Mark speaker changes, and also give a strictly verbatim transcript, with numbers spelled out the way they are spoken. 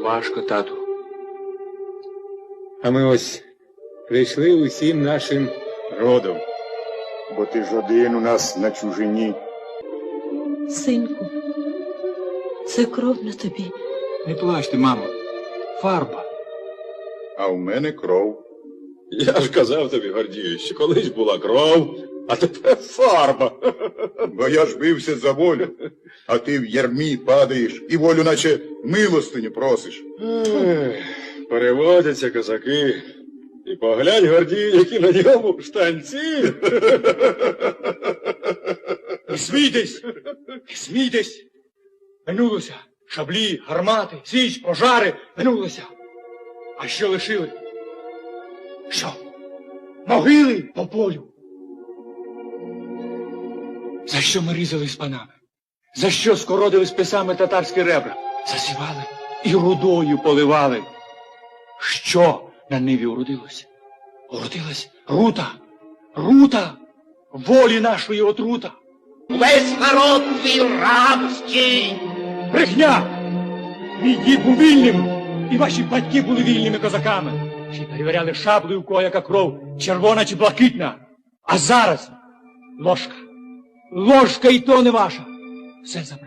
Speaker 1: важко, тату.
Speaker 2: А ми ось прийшли усім нашим родом.
Speaker 3: Бо ти ж один у нас на чужині.
Speaker 4: Синку, це кров на тобі.
Speaker 1: Не плачте, мамо. Фарба.
Speaker 3: А в мене кров.
Speaker 5: Я ж казав тобі, Гордію, що колись була кров, а тепер фарба.
Speaker 3: Бо я ж бився за волю, а ти в ярмі падаєш і волю наче милостиню просиш.
Speaker 5: Ех, переводяться козаки. І поглянь, Гордію, які на ньому штанці.
Speaker 6: Не смійтесь! Не смійтесь! Минулося. Шаблі, гармати, січ, пожари. Минулося. А що лишили? Що? Могили по полю. За що ми різали з панами? За що скородили списами татарські ребра? Засівали і рудою поливали. Що на ниві уродилося? Уродилась рута, рута, волі нашої отрута.
Speaker 7: Весь народ твій рабський.
Speaker 6: Брехня! Мій дід був вільним, і ваші батьки були вільними козаками. Ще й перевіряли шаблею, у кого яка кров, червона чи блакитна. А зараз ложка, ложка і то не ваша. Все забрали.